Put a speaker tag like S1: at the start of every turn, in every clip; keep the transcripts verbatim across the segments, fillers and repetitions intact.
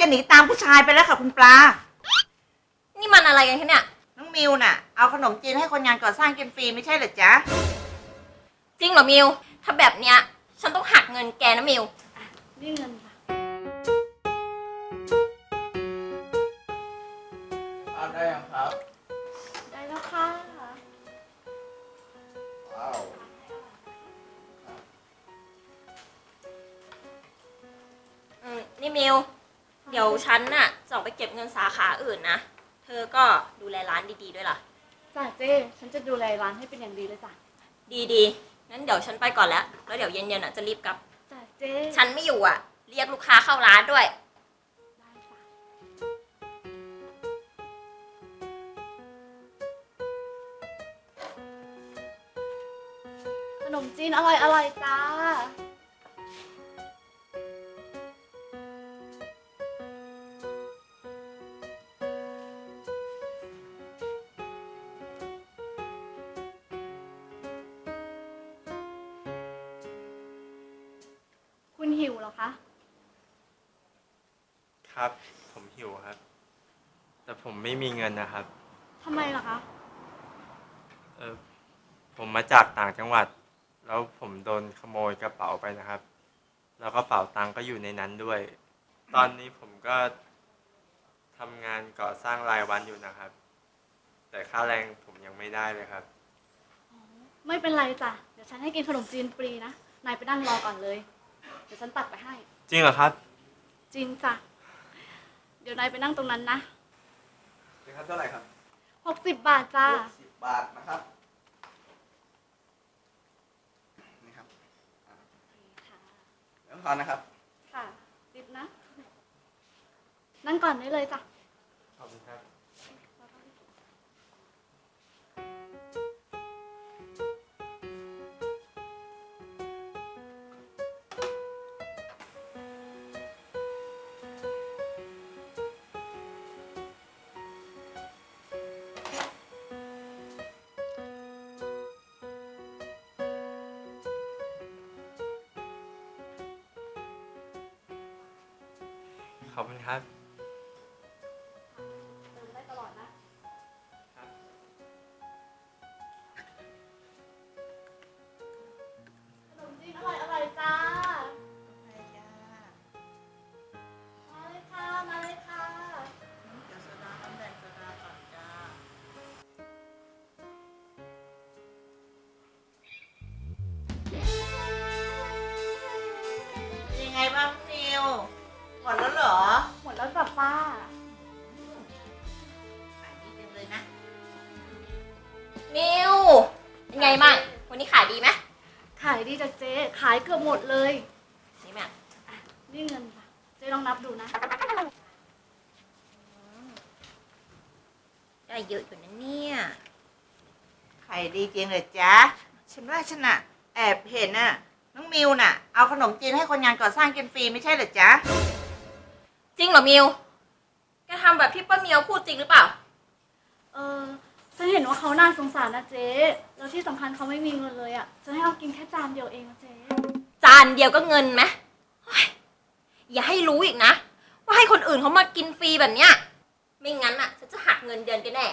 S1: หนีตามผู้ชายไปแล้วค่ะคุณปลา
S2: นี่มันอะไรกันคะเนี่ย
S1: น้องมิวน่ะเอาขนมจีนให้คนงานก่อสร้างกินฟรีไม่ใช่เหรอจ๊ะ
S2: จริงเหรอมิวถ้าแบบเนี้ยฉันต้องหักเงินแกนะมิว
S3: นี่เงินค่ะ
S4: ได้ยังครับ
S3: ได้แล้วค่ะ
S4: ว้าว
S2: อืมนี่มิวเดี๋ยวฉันน่ะจะออกไปเก็บเงินสาขาอื่นนะเธอก็ดูแลร้านดีๆด้วยล่ะ
S3: จ้ะเจ๊ฉันจะดูแลร้านให้เป็นอย่างดีเลยจ้ะ
S2: ดีๆงั้นเดี๋ยวฉันไปก่อนแล้วแล้วเดี๋ยวเย็นๆอ่ะจะรีบกลับ
S3: จ้ะเจ๊
S2: ฉันไม่อยู่อ่ะเรียกลูกค้าเข้าร้านด้วย
S3: ได้จ้ะขนมจีนอร่อยอร่อยจ้าคุณหิวเหรอคะ
S5: ครับผมหิวครับแต่ผมไม่มีเงินนะครับ
S3: ทำไมล่ะคะ
S5: เออผมมาจากต่างจังหวัดแล้วผมโดนขโมยกระเป๋าไปนะครับแล้วกระเป๋าตังค์ก็อยู่ในนั้นด้วย ตอนนี้ผมก็ทำงานก่อสร้างรายวันอยู่นะครับแต่ค่าแรงผมยังไม่ได้เลยครับ
S3: ไม่เป็นไรจ้ะเดี๋ยวฉันให้กินขนมจีนฟรีนะนายไปนั่งรอก่อนเลยเดี๋ยวฉันตักไปให้
S5: จริงเหรอครับ
S3: จริงจ้ะเดี๋ยวนายไปนั่งตรงนั้นนะ
S4: เป็นครับเท่าไหร่ครับ
S3: หกสิบบาทจ้า
S4: หกสิบบาทนะครับนี่ครับแล้วทอนนะครับ
S3: ค่ะติดนะนั่งก่อนได้เลยจ้ะ
S5: ขอบคุณครับขอบคุณครับ
S3: เติมได้ตลอดนะขนมจีนอร่อยอร่อยจ้ามาเลยค่ะมาเลยค่ะ
S1: เดี๋ยวโซดาน้ำแดงโซดาก่อนจ้ายังไงบ้างมิวหมดแล้วเหรอ
S3: หมดแล้วจ้ะป้า
S1: ขายดีจังเลยนะ
S2: มิวยังไงบ้างวันนี้ขายดีไหม
S3: ขายดีจ้ะเจ๊ขายเกือบหมดเลย
S2: นี่แม่
S3: อ่ะนี่เงินจ้ะเจ๊ลองนับดูนะ
S2: ได้เยอะอยู่นะเนี่ย
S1: ขายดีจริงเลยจ๊ะฉันว่าฉันน่ะแอบเห็นน่ะน้องมิวน่ะเอาขนมจีนให้คนงานก่อสร้างกินฟรีไม่ใช่เหรอจ๊ะ
S2: จริงเหรอมิวแกทำแบบที่ป้าเมียวพูดจริงหรือเปล่า
S3: เออฉันเห็นว่าเขาน่าสงสารนะเจ๊แล้วที่สำคัญเขาไม่มีเงินเลยอ่ะฉันให้เขากินแค่จานเดียวเองนะเจ๊
S2: จานเดียวก็เงินไหมอย่าให้รู้อีกนะว่าให้คนอื่นเขามากินฟรีแบบเนี้ยไม่งั้นอ่ะฉันจะหักเงินเดือนแกแน่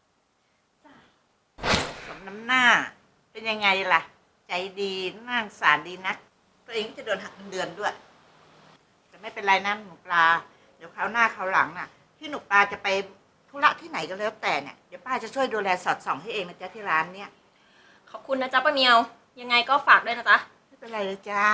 S1: สมน้ำหน้าเป็นยังไงล่ะใจดีน่าสงสารดีนักตัวเองจะโดนหักเงินเดือนด้วยแต่ไม่เป็นไรนะหนูปลาเดี๋ยวคราวหน้าคราวหลังน่ะที่หนูปลาจะไปธุระที่ไหนก็แล้วแต่เนี่ยเดี๋ยวป้าจะช่วยดูแลสอดส่องให้เองนะจ๊ะที่ร้านเนี่ย
S2: ขอบคุณนะจ๊ะป้าเมียวยังไงก็ฝากด้วยนะจ๊ะ
S1: ไม่เป็นไรเลยจ้า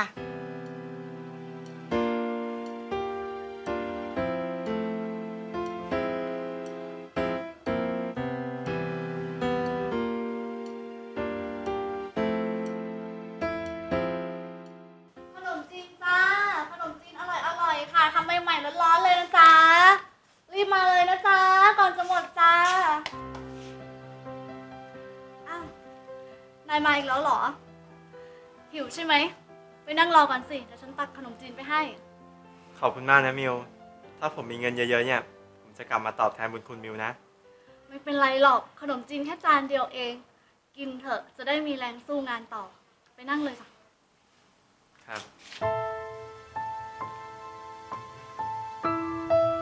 S3: ขนมจีนจ้าขนมจีนอร่อยอร่อยค่ะทำใหม่ๆร้อนๆเลยนะจ๊ะรีบมาเลยนะจ๊ะก่อนจะหมดจ้าอ้าวนายมาอีกแล้วเหรอหิวใช่ไหมไปนั่งรอก่อนสิเดี๋ยวฉันตักขนมจีนไปให้
S5: ขอบคุณมากนะมิวถ้าผมมีเงินเยอะๆเนี่ยผมจะกลับมาตอบแทนบุญคุณมิวนะ
S3: ไม่เป็นไรหรอกขนมจีนแค่จานเดียวเองกินเถอะจะได้มีแรงสู้งานต่อไปนั่งเลยค่ะ
S5: ครับ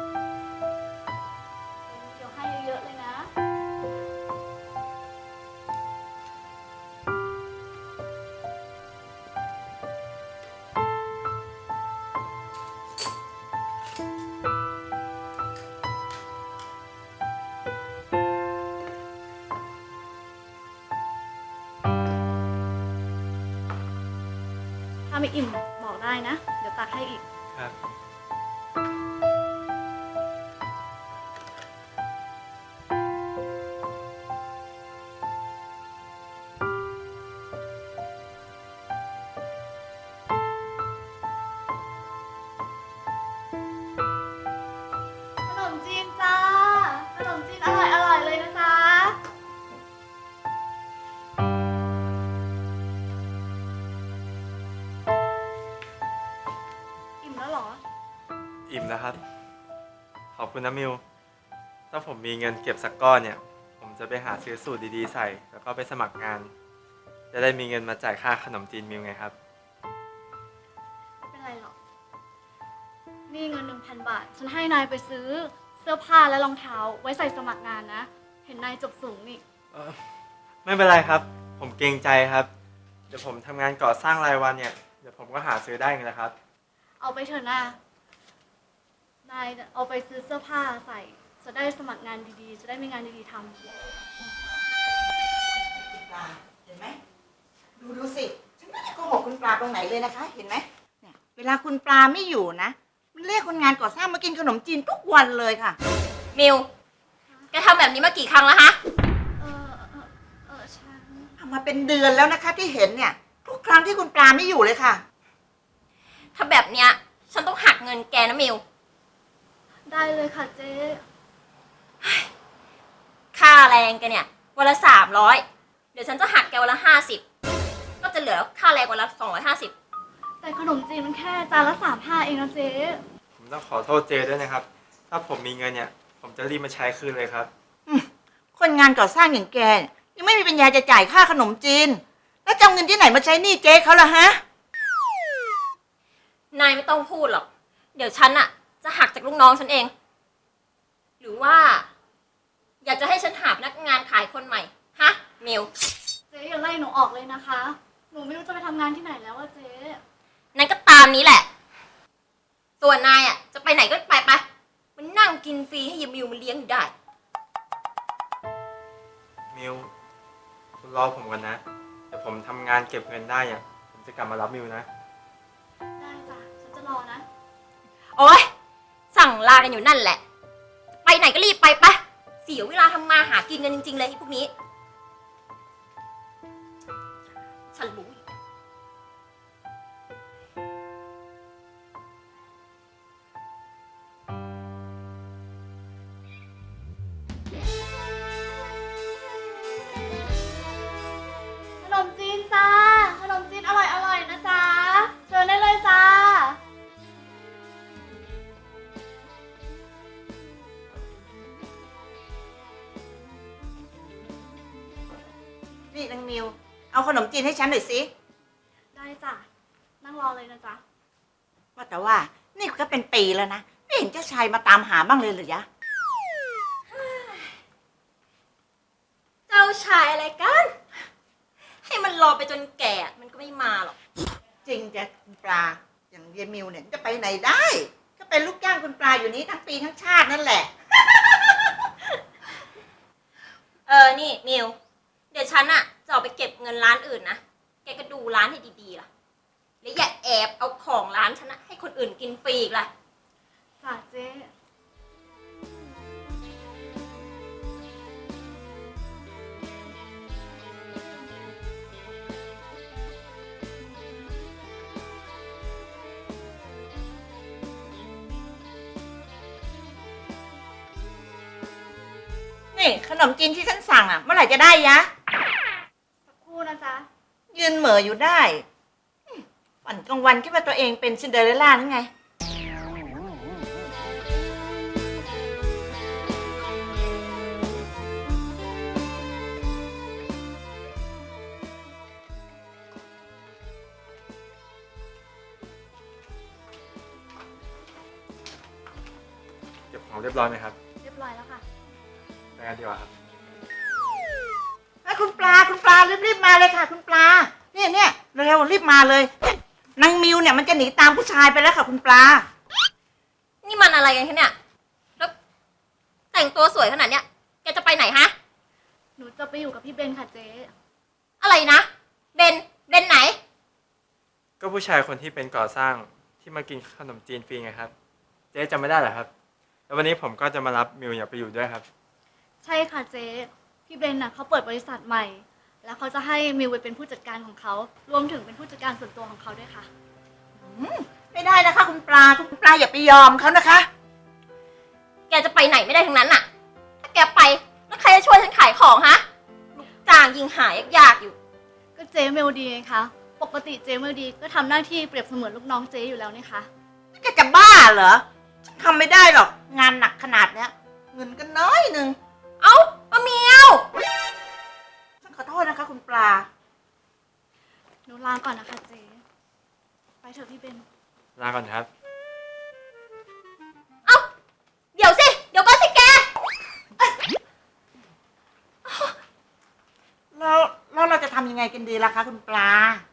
S3: ไม่อิ่มบอกได้นะ เดี๋ยวตักให้อีก
S5: ครับ
S3: ขนมจีนจ้า ขนมจีนอร่อยอร่อยเลยนะจ๊ะ อิ่มแล้วเหรอ
S5: อิ่มแล้วครับ ขอบคุณนะมิว ถ้าผมมีเงินเก็บสักก้อนเนี่ย ผมจะไปหาซื้อสูตรดีๆใส่ แล้วก็ไปสมัครงาน จะได้มีเงินมาจ่ายค่าขนมจีนมิวไงครับ
S3: ไม่เป็นไรหรอก นี่เงินหนึ่งพันบาท ฉันให้นายไปซื้อเสื้อผ้าและรองเท้าไว้ใส่สมัครงานนะ เห็นนายจบสูงนี่
S5: เอ่อไม่เป็นไรครับ ผมเกรงใจครับ เดี๋ยวผมทำงานก่อสร้างรายวันเนี่ย เดี๋ยวผมก็หาซื้อได้เองแหละครับ
S3: เอาไปเถอะนะนายเอาไปซื้อเสื้อผ้าใส่ จะได้สมัครงานดีๆ จะได้มีงานดีๆทำ
S1: คุณปลาเห็นไหมดูดูสิฉันไม่ได้โกหกคุณปลาตรงไหนเลยนะคะ เห็นไหมเนี่ยเวลาคุณปลาไม่อยู่นะมันเรียกคนงานก่อสร้างมากินขนมจีนทุกวันเลยค่ะ
S2: มิว แกทำแบบนี้มากี่ครั้งแล้วฮะ
S3: เออเออเออฉัน
S1: ทำมาเป็นเดือนแล้วนะคะที่เห็นเนี่ย ทุกครั้งที่คุณปลาไม่อยู่เลยค่ะ
S2: ถ้าแบบเนี้ย ฉันต้องหักเงินแกนะมิว
S3: ได้เลยค่ะเจ๊
S2: ค่าแรงแกเนี่ยวันละสามร้อยเดี๋ยวฉันจะหักแกวันละห้าสิบก็จะเหลือค่าแรงวันละสองร้อยห้าสิบ
S3: แต่ขนมจีนมันแค่จานละสามห้าเองนะเจ๊
S5: ผมต้องขอโทษเจด้วยนะครับ ถ้าผมมีเงินเนี่ย ผมจะรีบมาใช้คืนเลยครับ
S1: คนงานก่อสร้างอย่างแกเนี่ยยังไม่มีปัญญาจะจ่ายค่าขนมจีน แล้วจะเอาเงินที่ไหนมาใช้หนี้เจ๊เขาล่ะฮะ
S2: นายไม่ต้องพูดหรอก เดี๋ยวฉันอะจะหักจากลูกน้องฉันเอง หรือว่า อยากจะให้ฉันหาพนักงานขายคนใหม่ ฮะ มิว
S3: เจ๊อย่าไล่หนูออกเลยนะคะ หนูไม่รู้จะไปทำงานที่ไหนแล้วอะเจ๊
S2: นั่นก็ตามนี้แหละ ส่วนนายอะจะไปไหนก็ไปไปมันนั่งกินฟรีให้ยายมิวมันเลี้ยงอยู่ได้
S5: มิว คุณรอผมก่อนนะ เดี๋ยวผมทำงานเก็บเงินได้เนี่ย ผมจะกลับมารับมิวนะ
S3: ได้จ้ะ ฉันจะรอนะ
S2: โอ๊ย สั่งลากันอยู่นั่นแหละ ไปไหนก็รีบไปไปเสียเวลาทำมาหากินกันจริงๆเลยไอ้พวกนี้ ฉันรู้อยู่
S3: ขนมจีนจ้า ขนมจีนอร่อยอร่อยนะจ๊ะ เชิญได้เลยจ้า
S1: นี่นางมิว เอาขนมจีนให้ฉันหน่อยสิ
S3: ได้จ้ะ นั่งรอเลยนะจ๊ะ
S1: ว่าแต่ว่านี่ก็เป็นปีแล้วนะไม่เห็นเจ้าชายมาตามหาบ้างเลยเหรือยะ
S2: เจ้าชายอะไรกัน ให้มันรอไปจนแก่มันก็ไม่มาหรอก
S1: จริงจะคุณปลาอย่างเยมิวเนี่ยจะไปไหนได้ ก็เป็นลูกจ้างคุณปลาอยู่นี้ทั้งปีทั้งชาตินั่นแหละ
S2: เออ นี่มิว เดี๋ยวฉันอะจะออกไปเก็บเงินร้านอื่นนะ แกก็ดูร้านให้ดีๆล่ะ แล้วอย่าแอบเอาของร้านฉันนะให้คนอื่นกินฟรีอีกล่ะ
S3: จ้ะเจ๊
S1: นี่ขนมจีนที่ฉันสั่งอ่ะเมื่อไหร่จะได้ยะ
S3: สักครู่นะจ๊ะ
S1: ยืนเหม่ออยู่ได้อืมวันกลางวันคิดว่าตัวเองเป็นซินเดอเรลล่านั่นไง
S5: เก็บของเรียบร้อยไหมครับ
S3: เรียบร้อยแล้วค่ะ
S5: ไปกันดีกว่าครับ
S1: ไอ้คุณปลาคุณปลารีบๆมาเลยค่ะ คุณปลาเนี่ยเนี่ยเร็วๆรีบมาเลยเนี่ยนางมิวเนี่ยมันจะหนีตามผู้ชายไปแล้วค่ะ คุณปลา
S2: นี่มันอะไรกันคะเนี่ย แล้วแต่งตัวสวยขนาดเนี้ย แกจะไปไหนฮะ
S3: หนูจะไปอยู่กับพี่เบนค่ะเจ๊
S2: อะไรนะ เบน เบนไหน
S5: ก็ผู้ชายคนที่เป็นก่อสร้างที่มากินขนมจีนฟรีไงครับ เจ๊จำไม่ได้เหรอครับ แล้ววันนี้ผมก็จะมารับมิวอยากไปอยู่ด้วยครับ
S3: ใช่ค่ะเจ๊พี่เบนน่ะเขาเปิดบริษัทใหม่ แล้วเขาจะให้มิวไปเป็นผู้จัดการของเขา รวมถึงเป็นผู้จัดการส่วนตัวของเขาด้วยค่ะ
S1: อืมไม่ได้นะคะ คุณปลาคุณปลาอย่าไปยอมเขานะคะ
S2: แกจะไปไหนไม่ได้ทั้งนั้นน่ะ ถ้าแกไปแล้วใครจะช่วยฉันขายของฮะ ลูกจ้างยิงหายากๆอยู่
S3: ก็เจ๊เมลดีไงคะ ปกติเจ๊เมลดีก็ทำหน้าที่เปรียบเสมือนลูกน้องเจ๊อยู่แล้วนี่คะ
S1: แกจะบ้าเหรอฉันทำไม่ได้หรอก งานหนักขนาดเนี้ย เงินก็น้อยหนึ่ง
S2: เอ้าป้าเมียว
S1: ฉันขอโทษนะคะ คุณปลา
S3: หนูลาก่อนนะคะเจ๊ไปเถอะพี่เบน
S5: ลาก่อนครับ
S2: เอ้า เดี๋ยวสิ เดี๋ยวก็สิแก
S1: แล้วแล้วเราจะทำยังไงกันดีล่ะคะ คุณปลา